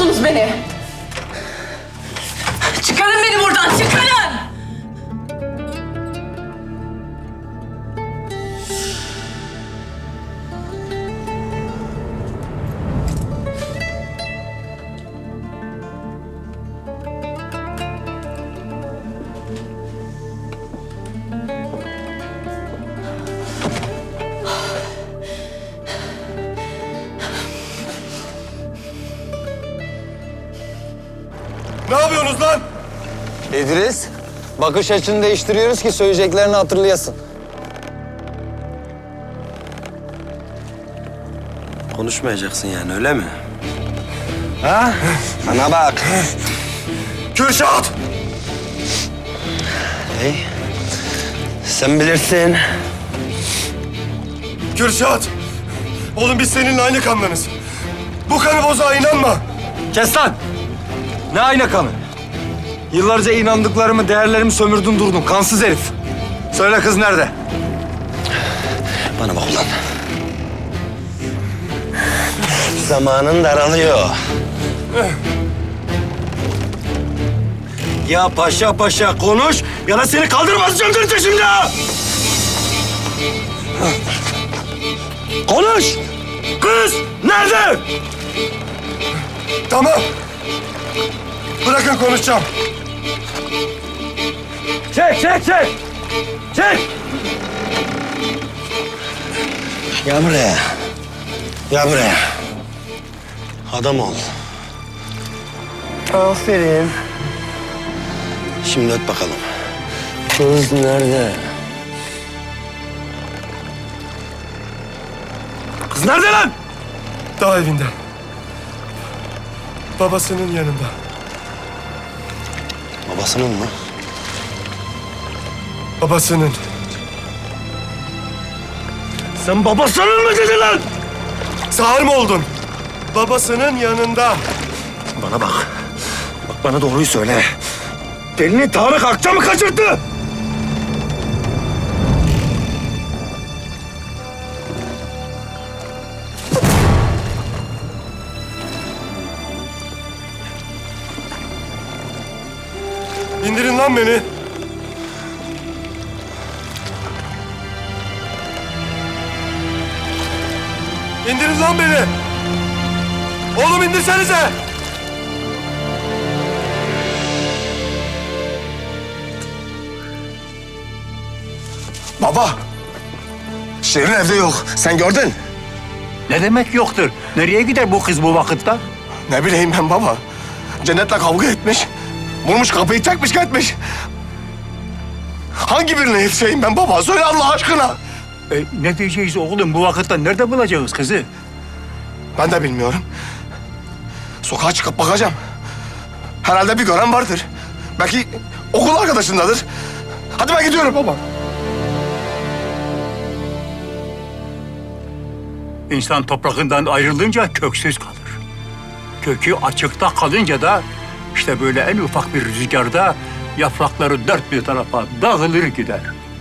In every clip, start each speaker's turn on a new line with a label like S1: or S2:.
S1: musunuz beni? Çıkarın beni buradan, çıkarın!
S2: Ne yapıyorsunuz lan?
S3: İdris, bakış açını değiştiriyoruz ki söyleyeceklerini hatırlayasın.
S4: Konuşmayacaksın yani, öyle mi?
S3: Ha? Bana bak.
S2: Kürşat!
S4: Hey, sen bilirsin.
S2: Kürşat! Oğlum biz seninle aynı kandanız. Bu kanı bozağa inanma.
S3: Kes lan! Ne ayna kanı? Yıllarca inandıklarımı, değerlerimi sömürdün durdun. Kansız herif. Söyle kız nerede?
S4: Bana bak ulan. Zamanın daralıyor. Ya paşa paşa konuş ya da seni kaldırmaz söndürte şimdi ha! Konuş! Kız nerede?
S2: Tamam. Bırakın konuşacağım.
S3: Çek! Çek!
S4: Gel buraya. Gel buraya. Adam ol. Aferin. Şimdi öt bakalım. Kız nerede?
S3: Kız nerede lan?
S2: Dağ evinde. Babasının yanında.
S4: Babasının mı?
S2: Babasının.
S4: Sen babasının mı dedin lan?
S2: Sağır mı oldun? Babasının yanında.
S4: Bana bak. Bak bana doğruyu söyle. Delini Tarık Akça mı kaçırttı?
S2: İndirin lan beni. İndirin lan beni. Oğlum indirsenize. Baba. Şirin evde yok. Sen gördün.
S5: Ne demek yoktur? Nereye gider bu kız bu vakitte?
S2: Ne bileyim ben baba. Cennet'le kavga etmiş. Vurmuş kapıyı çekmiş gitmiş. Hangi birine yetişeyim ben baba? Söyle Allah aşkına.
S5: Ne diyeceğiz oğlum bu vakitte? Nerede bulacağız kızı?
S2: Ben de bilmiyorum. Sokağa çıkıp bakacağım. Herhalde bir gören vardır. Belki okul arkadaşındadır. Hadi ben gidiyorum baba.
S5: İnsan toprağından ayrılınca köksüz kalır. Kökü açıkta kalınca da işte böyle en ufak bir rüzgarda yaprakları dört bir tarafa dağılır gider.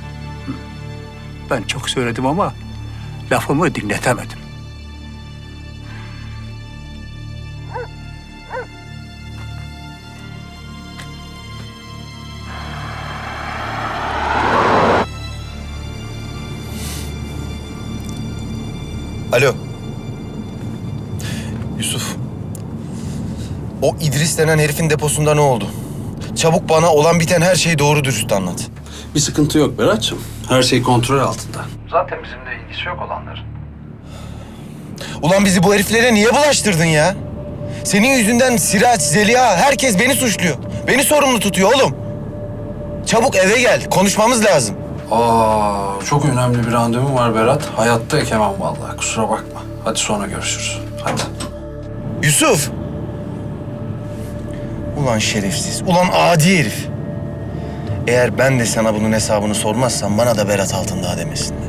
S5: Ben çok söyledim ama lafımı dinletemedim.
S6: Alo. Yusuf. O İdris denen herifin deposunda ne oldu? Çabuk bana olan biten her şeyi doğru dürüst anlat.
S7: Bir sıkıntı yok Berat'cığım. Her şey kontrol altında.
S8: Zaten bizimle ilgisi yok olanların.
S6: Ulan bizi bu heriflere niye bulaştırdın ya? Senin yüzünden Siraç, Zeliha, herkes beni suçluyor. Beni sorumlu tutuyor oğlum. Çabuk eve gel, konuşmamız lazım.
S7: Çok önemli bir randevum var Berat. Hayatta ekemem vallahi. Kusura bakma. Hadi sonra görüşürüz. Hadi.
S6: Yusuf! Ulan şerefsiz, ulan adi herif. Eğer ben de sana bunun hesabını sormazsam bana da Berat Altındağ demesin.